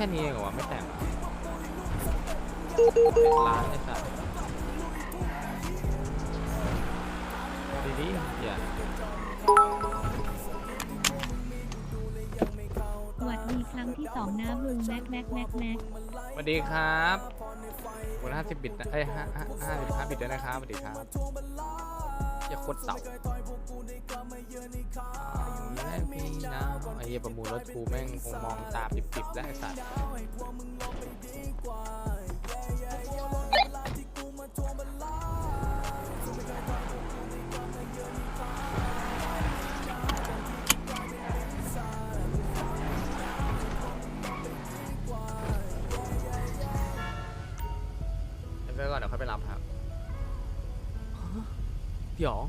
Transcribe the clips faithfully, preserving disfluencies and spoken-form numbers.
ค่นี้เองเหรอวะไม่แต่งร้านไอ้สัสดีๆอย่าสวัสดีครั้งที่สองนะลุงแม็กแม็กแม็กแม็กสวัสดีครับวันห้าสิบบิตนะเอ้ยห้าห้าห้าสิบห้าบิตด้วยนะครับสวัสดีครับอย่าโคตรเต่าแม่พี่นะไอ้เหี้ยประมูลรถกูแม่งคงมองตาปิบๆแล้วไอ้สัสไปก่อนเดี๋ยวค่อยไปรับครับเดี๋ยว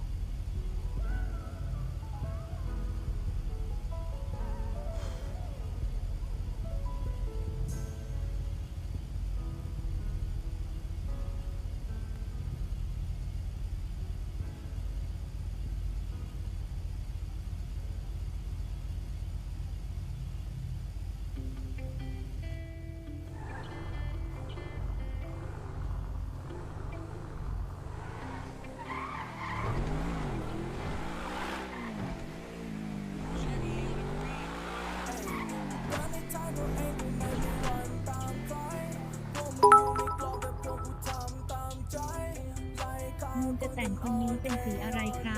ลุงจะแต่งคนนี้เป็นสีอะไรครับ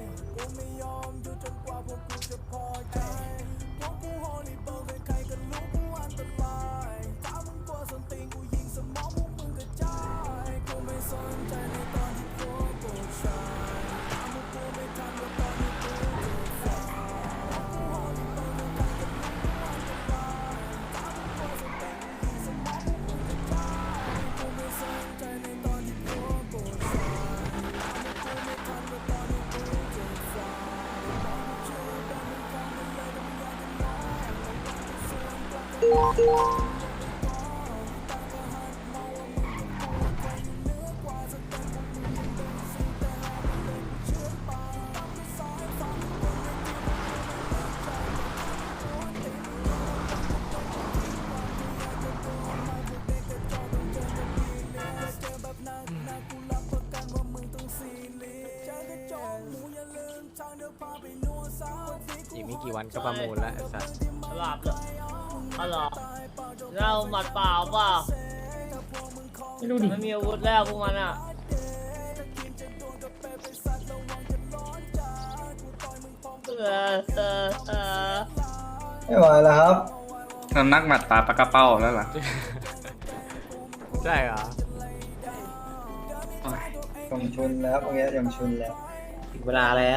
อีกไม่กี่วันก็ประมูลแล้วไอ้สัสหลับเลยอ๋อเหรอเราหมัดเปล่าเปล่าไม่รู้ดิไม่มีอาวุธแล้วพวกมันอ่ะเออเออเออไม่ไหวแล้วครับสำนักหมัดตาปากกระเป้าแล้วเหรอใช่เหรอยมชุนแล้วพวกนี้ยมชุนแล้วถึงเวลาแล้ว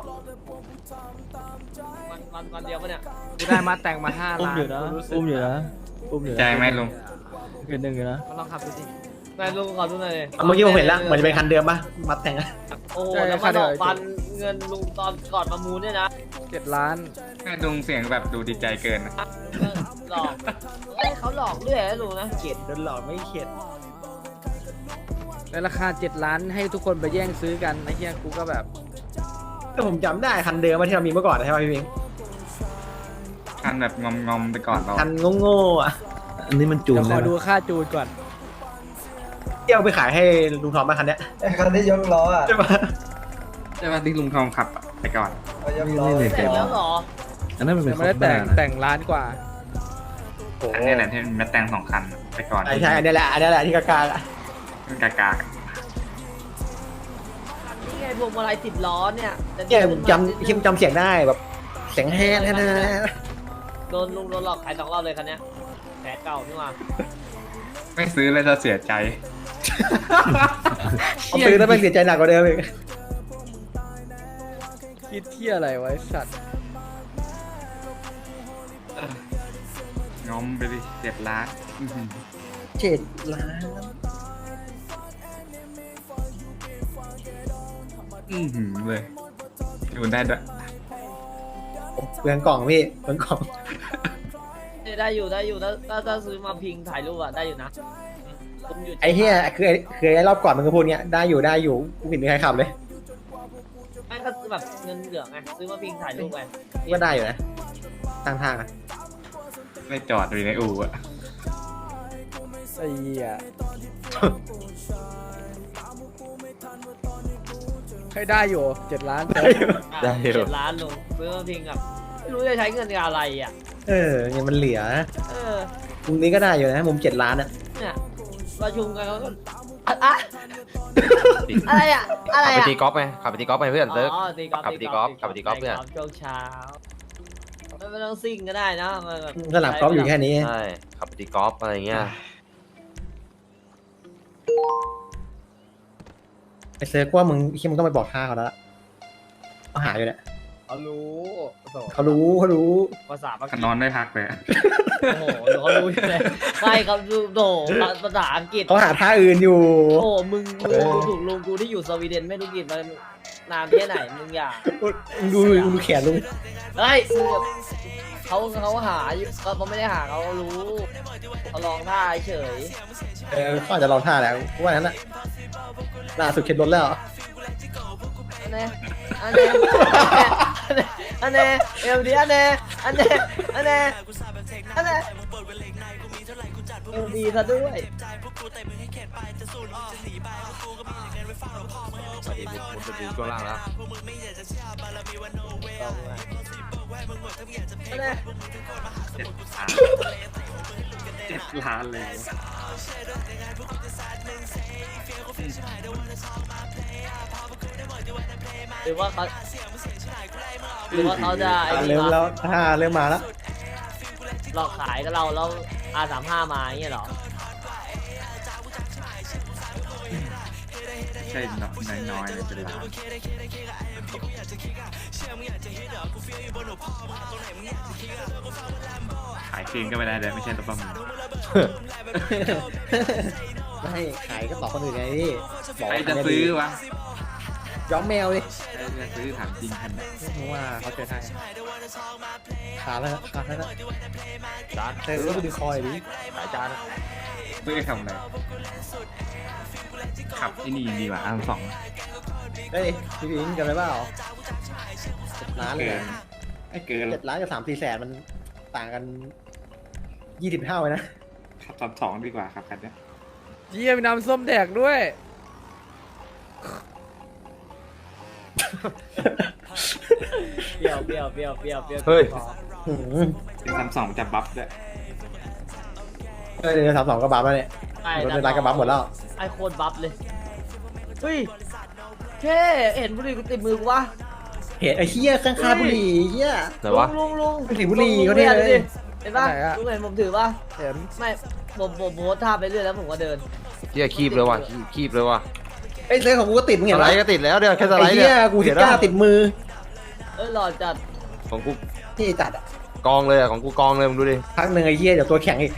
มันมันมันเดียวปะเนี่ยกูได้มาแต่งมาห้าอุ้มล้านอยู่นะกูรู้สึกอุ้มอยู่นะอุ้มอยู่นะใจไหมลุงเป็นหนึ่งอยู่นะก็ลองขับดูสินายลุงขอดูหน่อยดิเมื่อกี้ผมเห็นแล้วเหมือนจะเป็นคันเดิมปะมัดแต่งอะโอ้โหแล้วมาดอกฟันเงินลุงตอนก่อนประมูลเนี่ยนะเจ็ดล้านแค่ลุงเสียงแบบดูดีใจเกินนะหลอกเอ้ยเขาหลอกเรื่อยนะลุงนะเข็ดโดนหลอกไม่เข็ดในราคาเจ็ดล้านให้ทุกคนไปแย่งซื้อกันไอ้เหี้ยกูก็แบบแต่ผมจำได้คันเดิมที่เรามีเมื่อก่อนใช่ป่ะพี่พิงคันแบบงอมงอมๆไปก่อนเราคันโง่ๆอ่ะอันนี้มันจูเดี๋นยวขแล้อวดูนะค่าจูนก่อนที่เอาไปขายให้ลุงทอมมาคันเนี้ยไอ้คันที่ยกล้ออ่ะใช่ปะใช่ป่ะที่ลุงทองขับอะไปก่อนเอายกล้อนี่เสร็จแล้วเหรออันนั้นมันเป็นยังคไม่อได้มแต่บ้าง นะแต่งล้านกว่าอันนี้แหละที่แมตแตงสองคันไปก่อนใช่ใช่อันนี้แหละอันนี้แหละที่กากาอะกากานี่ไงพวงมาลัยติดล้อเนี่ยแต่เนี่ยผมจำที่ผมจำเสียงได้แบบเสียงแฮนแฮนแฮนโดนลุงโดนหลอกขายสองรอบเลยคันเนี้ยแผลเก่านี่หว่าไม่ซื้อเลยจะเสียใจผมซื้อแล้วมันเสียใจหนักกว่าเดิมอีกคิดเที่ยอะไรไวะไอ้สัตว์งอมไปดิเจ็ดล้านอื้อหือเจ็ดล้านอือหือเลยดูได้ด้วยเปลืองกล่องพี่เปลืองกล่องได้อยู่ได้อยู่ถ้าถ้าถ้าซื้อมาพิงถ่ายรูปอะได้อยู่นะผมอยู่ไอ้เหี้ยคือไอ้คือไอ้รอบก่อนมันก็พูดเนี้ยได้อยู่ได้อยู่กูเห็นมีใครขับเลยแม่งก็ซื้อแบบเงินเหลืองไงซื้อมาพิงถ่ายรูปไปก็ได้อยู่นะตั้งทางอะไม่จอดอยู่ในอู่อะไอ้เหี้ยให้ได้อยู่เจ็ดล้านเต็มได้เจ็ดล้านลุงซื้อมาพิงกับไม่รู้จะใช้เงินกับอะไรอ่ะเออเนี่ยมันเหลือนะเออมุมนี้ก็ได้อยู่นะมุมเจ็ดล้านอ่ะเนี่ยประชุมกันเขาก็อะอะอะไรอ่ะอะไรขับไปอ่ะตีกอล์ฟไงขับไปตีกอล์ฟไปเพื่อนเซิร์ฟอ๋อตีกอล์ฟขับไปตีกอล์ฟขับไปตีกอล์ฟเนี่ยช่วงเช้าไม่ไม่ต้องซิ่งก็ได้นะมันแบบสนามกอล์ฟอยู่แค่นี้ใช่ขับไปตีกอล์ฟอะไรเงี้ยไอเซิร์ฟว่ามึงคิดมึงต้องไปบอกค่าเขาแล้วล่ะเขาหาอยู่เนี่ยเขารู้เขารู้เขารู้ภาษาปากนอนไม่พักเลยโอ้โหเขารู้อยู่เลยไม่ครับดูโดภาษาอังกฤษเขาหาท่าอื่นอยู่โอ้มึงมึงดูถูกลุงกูที่อยู่สวีเดนไม่รู้กี่มานานแค่ไหนมึงอย่ามึงดูมึงดูแขนลุงเฮ้ยมึงแบบเขาเขาหาอยู่ก็เขาไม่ได้หาเขารู้เขาลองท่าเฉยเออเขาอาจจะลองท่าแล้วกูว่านั้นน่ะล่าสุดเข็นรถแล้วอันนี้อันนี้อันนี้เอ็มดีอันนี้อันนี้อันนี้อันนี้เอ็มดีซะด้วยสวัสดีบุ๊คบุ๊คดูช่วงล่างแล้วอันนี้เจ็ดล้านเลยหรือว่าเขาหรือว่าเขาจะไอ้นี่เริ่มวะแล้วท่าเริ่มมาแล้วหลอกขายกับเราแล้วอาสามห้ามาอย่างเงี้ยเหรอใช่น้อยน้อยๆเลยเป็นล้านขายคืนก็ไม่ได้เลยไม่ใช่รถประมูลไม่ให้ขายก็ต่อคนอื่นไงพี่บอกใครว่าจะซื้อวะย้อมแมวดิใครจะซื้อถามจริงคันไหนเพราะว่าเขาเจอให้ขาดแล้วนะขาดแล้วนะจานเออแล้วไปดึงคอยดิขายจานซื้อทำอะไรขับไอ้นี่ดีกว่าอันสองเฮ้ยพี่พิงกันไหมเปล่าเจ็ดล้านเลยเกินนะไม่เกินเจ็ดล้านกับสามสี่แสนมันต่างกันยี่สิบเท่าเลยนะขับสามสองดีกว่าครับคันเนี้ยเยี่ยมน้ำส้มแดกด้วยเปรี้ยวเปรี้ยวเปรี้ยวเปรี้ยวเปรี้ยวเฮ้ยหืมเป็นสามสองจะบัฟด้วยเออเดี๋ยวสามสองก็บัฟแล้วเนี่ยไอ้รถในร้านก็บัฟหมดแล้วไอ้โคตรบัฟเลยเฮ้ยเท่เห็นบุหรี่กูติดมือกูวะเห็นไอ้เหี้ยข้างๆบุหรี่เหี้ยไหนวะลุงลุงบุหรี่บุหรี่ลุงเขาเนี่ยลุงเลยเห็นปะลุงเห็นผมถือปะเห็นไม่ผมผมโพสท่าไปเรื่อยแล้วผมก็เดินเที่ยคีบเลยว่ะคีบคีบเลยว่ะไอ้เสื้อของกูก็ติดมึงสเห็นไลไหมด์ก็ติดแล้วเดี๋ยวแค่สไลไอ้ด์เหี้เนี่ย ยกูทิก้าติดมือเอ้ยหล่อจัดของกูที่จัดอ่ะกองเลยอะของกูกองเลยมึงดูดิพักหนึ่งไอ้เหี้ยเดี๋ยวตัวแข็งอีก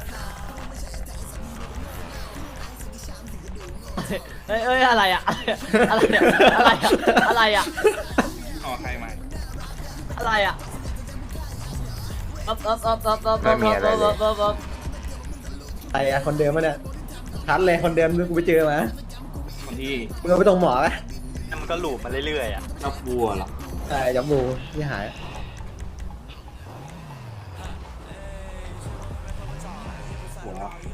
เอ้ยเอ้ยอะไรอะอะไรอะอะไรอะอะไรอะอ๋อใครใหม่อะไรอะอ๊อบอ๊อบอ๊อบอ๊อบอ๊อบอ๊อบอ๊อบอ๊อบอ๊อบอ๊อบไอ้อะคนเดิมมันเนี่ยชัดเลยคนเดิมกูไปเจอมาคนที่มึงเอาไปตรงหมอไหมมันก็หลูบมาเรื่อยๆอ่ะชอบวัวเหรอใช่จับบูที่หายหัว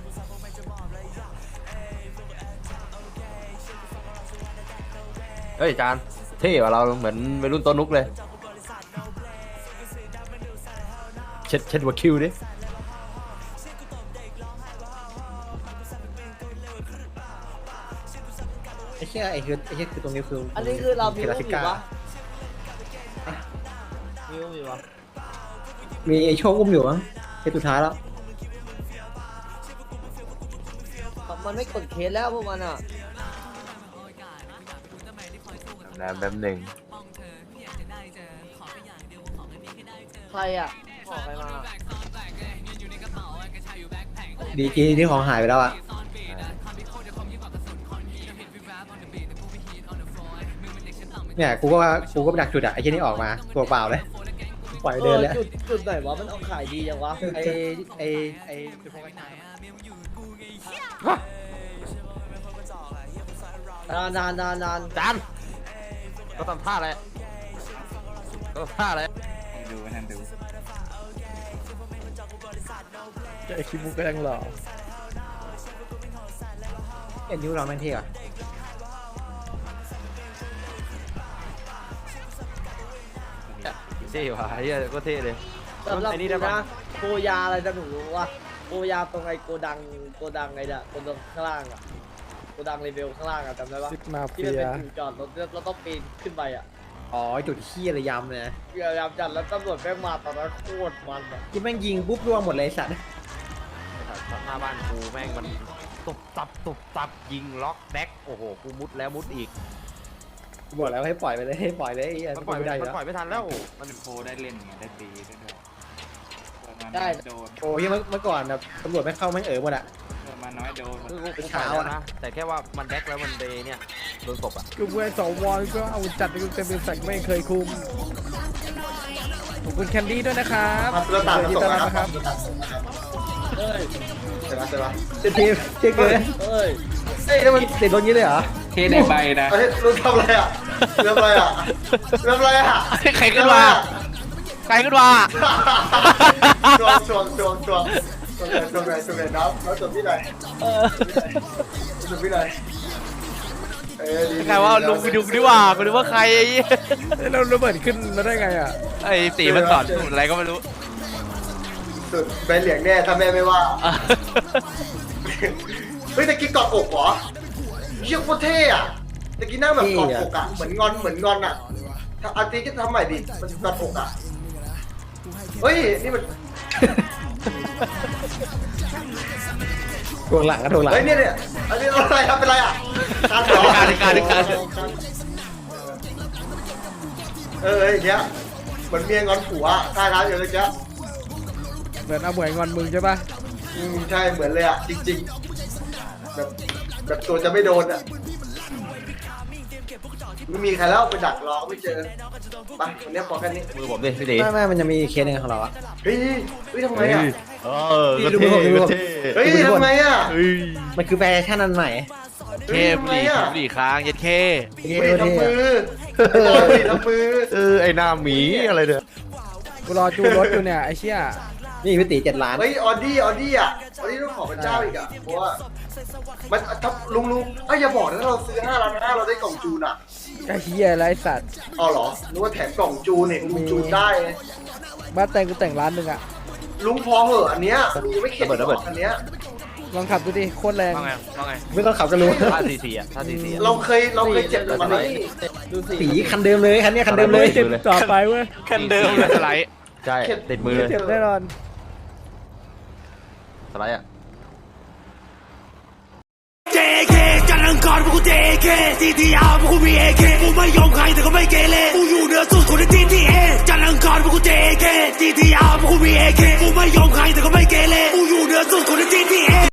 เฮ้ยจานเท่กว่าเราเหมือนวัยรุ่นต้นนุกเลยเช็ดเช็ดหัวคิวดิไอ้เหี้ยไอ้คือไอ้เหี้ยคือตรงนี้คืออัอันนี้คือเรามีเทรูราปซิอยู่ก้าปะมีรูปอยู่ปะมีไอ้โชคอุ้มอยู่มั้งเคสสุดท้ายแล้วมันไม่กดเคสแล้วพวกมันอ่ะนะแป๊บหนึ่งใครอ่ะขอใครมาดีจีที่ของหายไปแล้วอะเนี่ยกูก็ว่ากูก็ไปดักจุดอะไอ้เหี้ยนี่ออกมาตัวเปล่าเลยปล่อยเอเดินอเลยจุดจุดไหนวะมันเอาขายดีจังวะไอ้ไอ้ไอ้จุดพกไอ้นายนานนานนานนานจานก็ทำท่าอะไรก็ทำท่าอะไรให้ดูให้ดูเจอไอ้คิมุกก็ยังหล่อเอ็นนิ้วเราแม่งเท่อะเท่ว่ะไอ้เหี้ยก็เท่เลยสำหรับไอ้นี่กูได้ปะนะโกยาอะไรจะหนูรู้ว่าโกยาตรงไอ้โกดังโกดังไอ้เนี่ยโกดังข้างล่างอ่ะโกดังเลเวลข้างล่างอ่ะจำได้ปะซิกมาที่เฟีมันยเป็นจุดจอดรถแล้วเราต้องปีนขึ้นไปอ่ะอ๋อจุดขี้อะไรยำเลยนะพยายามจัดแล้วตำรวจแม่งมาตอนนั้นโคตรมันอ่ะที่แม่งยิงปุ๊บร่วงหมดเลยไอ้สัตว์หน้าบ้านกูแม่งมันตุบตับตุบตับยิงล็อกแบ็คโอ้โหกูมุดแล้วมุดอีกกูบอกแล้วให้ปล่อยไปเลยให้ปล่อยเลยไอ้เหี้ยมันปล่อยไม่ได้อยู่มันแล้วปล่อยไม่ทันแล้วมันเป็นโพได้เล่นไงได้ตีได้ด้วยเปิดมาได้น้อยโดนโอ้ยเมื่อเมื่อก่อนแบบตำรวจไม่เข้าไม่งเอ๋อหมดอะเปิดมาน้อยโดนคือกูกูเช้าปล่อยอะแล้วนะแต่แค่ว่ามันแบ็คแล้วมันเดเนี่ยโดนตบอ่ะกลุ่มเวสวอนก็เอาจัดไปเต็มเป็นแสกไม่เคยคุมขอบคุณแคนดี้ด้วยนะครับเราตัดยินส่ดีงต้อนรับนะคนะครัรับบเฮ้ยเสร็จแล้วเสร็จแล้วเทีมเทียเกินเฮ้ยเอ้ยแล้วมันติดโดนงี้เลยเหรอเทในใบนะเฮ้ยรู้ทำอะไรอ่ะทำอะไรอ่ะทำอะไรอ่ะใครขึ้นมาใครขึ้นมาชวงชวงชวงชวงชวงเลยชวงเลยชวงเลยน้ำน้ำจบที่ไหนจบที่ไหนเอ้ยดีใครว่าลุงไปดูดีกว่าไปดูว่าใครไอ้เหี้ยเราระเบิดขึ้นมาได้ไงอ่ะไอ้ตีมันสอนสูตรอะไรก็ไม่รู้สุดเป็นเหลียงแน่ถ้าแม่ไม่ว่าเฮ้ยตะกี้กอดอกเหรอเชี่ยโคตรเท่อะตะกี้นั่งแบบกอดอกอะเหมือนงอนเหมือนงอนอะถ้าอาทิตย์ก็ทำใหม่ดิมันกอดอกอะเฮ้ยนี่มันทวงหลังก็ทวงหลังเฮ้ยเนี่ยเนี่ยอันนี้อะไรครับเป็นไรอะการเหรอการการการเอออย่างเงี้ยเหมือนเมียงอนผัวใช่ครับอย่างเงี้ยเหมือนเอาหมวยงอนมึงใช่ปะอืมใช่เหมือนเลยอะจริงๆแบบแบบตัวจะไม่โดนอะไม่มีใครแล้วไปดักรอไม่เจอไปวันนี้พอแค่นี้มือผมดิพี่ตีไม่ไม่มันจะมีเคสหนึ่งของเราอะเฮ้ยเฮ้ยทำไงอะเออนี่ดูมือผมดูมือผมเฮ้ยทำไงอะมันคือแฟชั่นอันใหม่เฮ้ยทำไงอะหลีค้างยัดเคเท่เฮ้ยเท่ทำมือไอ้บอยทำมือเออไอหน้าหมีอะไรเนี่ยกูรอจูรถอยู่เนี่ยไอ้เชี่ยนี่พี่ตีเจ็ดล้านเฮ้ยออดี้ออดี้อะออดี้ต้องขอพระเจ้าอีกอะเพราะว่ามันทับลุงลุงเอ้ยอย่าบอกนะเราซื้อห้าล้านห้าเราได้กล่องจูนอะไอ้เหี้ยไรสัตว์อ๋อเหรอนึกว่าแถมกล่องจูนเนี่ยลุงจูนได้ไงบ้านแต่งกูแต่งร้านหนึ่งอะลุงพอเหอะอันเนี้ยลุงยังไม่เข็ดหรอกอันเนี้ยลองขับดูดิโคตรแรงว่าไงว่าไงไม่ต้องขับก็รู้ท่าสี่สี่อ่ะท่าสี่สี่อ่ะเราเคยเราเคยเจ็บกับมันนี่ดูสิสีคันเดิมเลยคันเนี้ยคันเดิมเลยเจ็บต่อไปเว้ยคันเดิมสไลด์ใช่ติดมือเลยเจ็บแน่นอนสไลด์อ่ะเจ เค จันทร์อังคารพวกกู เจ เค ที ที อาร์ พวกกูมี เอ เค กูไม่ยอมใครแต่ก็ไม่เกเรกูอยู่เหนือสุดคนใน ที ที เอ จันทร์อังคารพวกกู เจ เค ที ที อาร์ พวกกูมี เอ เค กูไม่ยอมใครแต่ก็ไม่เกเรกูอยู่เหนือสุดคนใน ที ที เอ